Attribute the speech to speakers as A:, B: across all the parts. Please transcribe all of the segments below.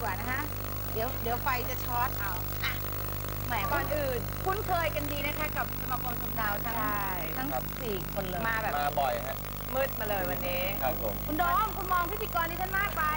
A: ว่านะฮะเดี๋ยวไฟจะช็อตเอาอ่ะแหม
B: ก่อนอื่น
A: คุ้นเคยกันดีนะคะกับสมาคมชมดาวทั้ง
B: ใช่
A: ทั้ง4 คนเลย
B: มาแบบ
C: มาบ่อยฮะ
B: มืดมาเลยวันนี้
C: ครับผม
A: คุณโดมคุณมองพิธีกรที่ฉันมากไป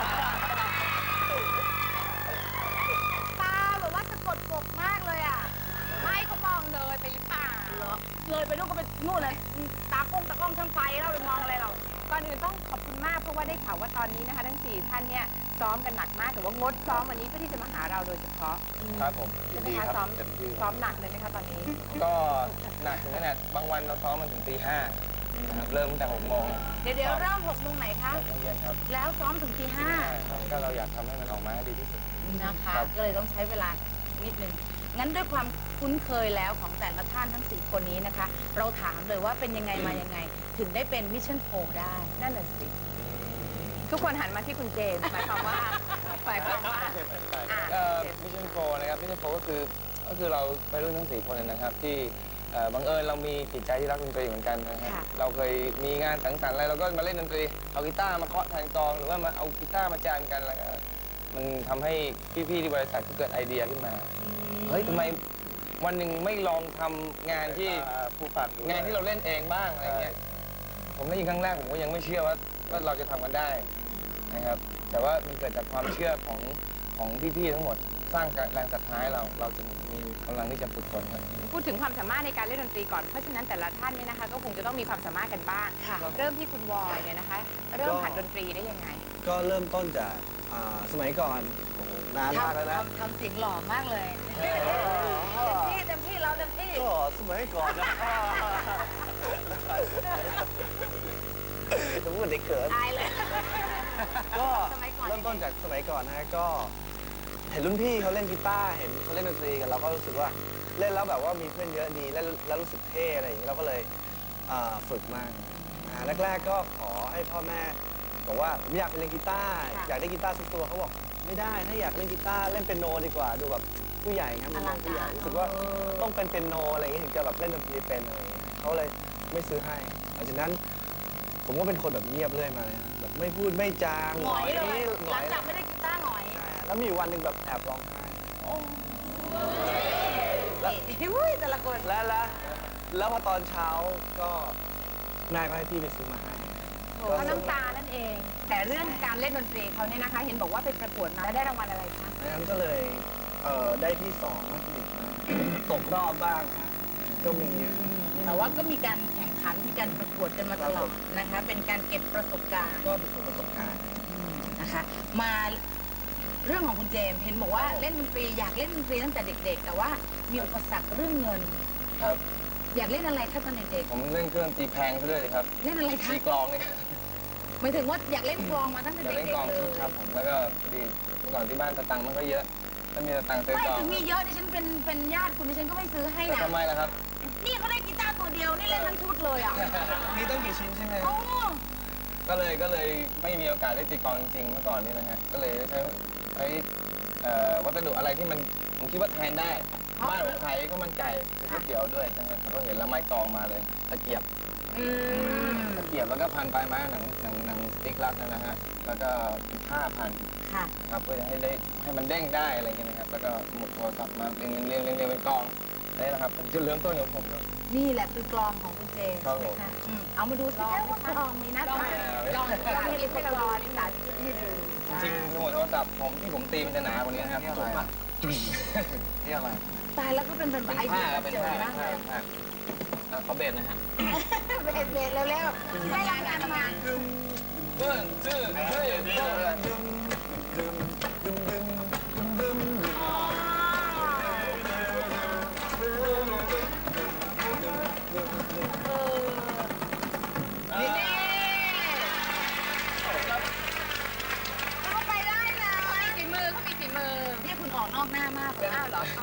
A: ตาแบบว่าสะกดกบมากเลยอ่ะ
B: ไม่เขามองเลยไปหรือเปล่า
A: เหรอเลยไปนู่นก็ไปนู่นเลยตากล้องช่างไฟแล้วไปมองอะไรเรา
B: ก่อนอื่นต้องขอบคุณมากเพราะว่าได้ข่าวว่าตอนนี้นะคะทั้ง4ท่านเนี่ยซ้อมกันหนักมากแต่ว่างดซ้อมวันนี้เพื่อที่จะมาหาเราโดยเฉพาะ
C: ครับผม
B: ใช่ไหม
C: ดี
B: คะ
C: ครับ
B: ซ้อม
C: เต็มที่
B: ซ้อมหนักเลยไหมคะตอนนี้
C: ก็หนักถึงขนาดบางวันเราซ้อมมันถึงตี 5นะครับเริ่มตั้งแต่6 โมง
A: เดี๋ยวเริ่ม6 โมงไหนคะ
C: 6 โมงเย็นครับ
A: แล้วซ้อมถึงตี
C: ก็เราอยากทำให้มันออกมาให้ดีที่สุด
A: 5นะคะ
C: ครับ
A: ก็เลยต้องใช้เวลานิดนึงงั้นด้วยความคุ้นเคยแล้วของแต่ละท่านทั้ง4 คนนี้นะคะ เราถามเลยว่าเป็นยังไงมายังไง ถึงได้เป็นมิชชั่นโ ได้
B: นั่นแหละสิทุกคนหันมาที่คุณเจมส์หมายความว่า
C: มิชชั่นโฟนะครับมิชชั่นโฟก็คือเราไปรุ่นทั้ง4 คนนะครับที่บังเอิญเรามีจิตใจที่รักดนตรีเหมือนกันนะฮะเราเคยมีงานสังสรรค์อะไรเราก็มาเล่นดนตรีเอากีตาร์มาเคาะแทนกลองหรือว่ามาเอากีตาร์มาจามกันแล้วก็มันทำให้พี่ๆที่บริษัทก็เกิดไอเดียขึ้นมาเฮ้ยทำไมวันหนึ่งไม่ลองทำงานที่ผู้ฟังงานที่เราเล่นเองบ้างอะไรเงี้ยผมได้ยินครั้งแรกผมก็ยังไม่เชื่อว่าเราจะทำกันได้นะครับแต่ว่ามันเกิดจากความเชื่อของพี่ๆทั้งหมดสร้างแรงศรัทธาให้เราจะมีกำลังที่จะฝึกฝนครับ
B: พูดถึงความสามารถในการเล่นดนตรีก่อนเพราะฉะนั้นแต่ละท่านเนี่ยนะคะก็คงจะต้องมีความสามารถกันบ้างเริ่มที่คุณวอยเนี่ยนะคะเริ่มหัดดนตรีได้ยังไง
D: ก็เริ่มต้นจากสมัยก่อนนานมากแล้วนะ
A: ทำเสียงหล่อมากเลยเต็มที่เราเต็มที่
D: ก็สมัยก่อนนะสมมติเด็กเกิด
A: ตายเลย
D: ก็
A: สมัยก่อน
D: เริ่มต้นจากสมัยก่อนนะก็เห็นรุ่นพี่เขาเล่นกีตาร์เห็นเขาเล่นดนตรีกันเราก็รู้สึกว่าเล่นแล้วแบบว่ามีเพื่อนเยอะดีแล้วรู้สึกเท่อะไรอย่างนี้เราก็เลยฝึกมากแรกๆก็ขอให้พ่อแม่บอกว่าผมอยากไปเล่นกีตาร์อยากได้กีตาร์สักตัวเขาบอกไม่ได้ถ้าอยากเล่นกีตาร์เล่นเปียโนดีกว่าดูแบบผู้ใหญ่ครับมันมองผู้ใหญ่รู้สึกว่าต้องเป็นเปียโนอะไรอย่างนี้ถึงจะแบบเล่นดนตรีเป็นอะไรอย่างเงี้ยเขาเลยไม่ซื้อให้หลังจากนั้นผมก็เป็นคนแบบเงียบเรื่อยมาเลยแบบไม่พูดไม่จาง
A: หงอยเลย
D: ห
A: ห
D: ง
A: ลั
D: อง ย
A: จากไม่ได้กีตาร์หงอย
D: แล้วมีอยู่วันหนึ่งแบบแอบร้องไห้
A: อุ้ยแต่ละคน
D: แล้วพอตอนเช้าก็นายก็ให้พี่ไปซื้อมาให้
B: เพราะน้ำตานั่นเอง แต่เรื่องการเล่นดนตรีเขาเนี่ยนะคะเห็นบอกว่าไปประกวดมาแล้วได้รางวัลอะไรคะ
D: ดังนั้นก็เลยได้ที่2บ้างที่1บ้างตกรอบบ้างก็มี
A: แต่ว่าก็มีการแข่งขันมีการประกวดกันมาตลอดนะคะ เป็นการเก็บประสบการณ์
D: ก็เป็นประสบการณ์
A: นะคะ มาเรื่องของคุณเจมส์เห็นบอกว่าเล่นดนตรีอยากเล่นดนตรีตั้งแต่เด็กๆ แต่ว่ามีอุปสรรคเรื่องเงิน
C: ครับ
A: อยากเล่นอะไรคะตอนเด็ก
C: ผมเล่นเครื่องตีแพงซะด้วยเลยครับ
A: ๆ เล่นอะไรคะ
C: ตีกลองเลย
A: หมายถึงว่าอยากเล่นกลองมาตั้งแต่
C: อยาก
A: เด็
C: เล่นกลอง
A: กๆเลย
C: ครับผมแล้วก็พอดีเมื่อก่อนที่บ้านสตังค์มันก็เยอะถ้ามีสตังค์ซื้อ
A: ไม่
C: กลอง
A: ถึงมีเยอะดิฉันเป็นญาติคุณดิฉันก็ไม่ซื้อให้
C: แล้ว
A: นะ
C: ทำไมล่ะครับ
A: นี่เขาได้กีตาร์ตัวเดียวนี่เล่นทั้งชุดเลยอ่ะ
D: มีตั้งกี่ชิ้นใช่ไหม
A: โอ้
C: ก็เลยไม่มีโอกาสได้ตีกลองจริงๆเมื่อก่อนนี่นะฮะก็เลยใช้วัสดุอะไรที่มันผมคิดว่าแทนได้บ้านผมขายก็มันไก่เป็นก๋วยเตี๋ยวด้วยนะฮะก็เห็นแล้วไม้กลองมาเลยตะเกียบแล้วก็พันปลายไม้หนังสติ๊กลักนั่นนะฮะแล้วก็ผ้าพัน
A: ค่ะ
C: ครับเพื่อให้มันเด้งได้อะไรเงี้ยนะครับแล้วก็หมุดโทรศัพท์มาเรียงเป็นกลองนี่นะครับผมจะเริ่มต้นของผมครับ
A: นี่แหละคือกลองของคุณเจมส์
C: ครับผม
A: นะคะเอามาดูสิคะว่ากลองมีหน้าตา
B: ลองให้ลิฟต์ให้เรารอนี่สาธิตให้ดู
C: จริงๆสมุดโทรศัพท์ผมที่ผมตีมันจะหนากว่านี้นะครับนี่อะไรนี่อะไร
A: ตายแล้วก็เป็นไอ
C: ผ้า
A: เดีย
C: เป็น
A: เจ๋ง
C: ผ้าม
A: ากเลย
C: ขอเบสนะฮะ
A: เบรกเร็วๆไม่รายงานทำงาน
C: เบิ้งชื่อเฮ้ยเบิ้ง
A: นี่เขาไปได้นะ
B: ฝีมือเขามีฝีมือ
A: นี่คุณออกนอกหน้ามากเลย
B: อ้าวเหรอ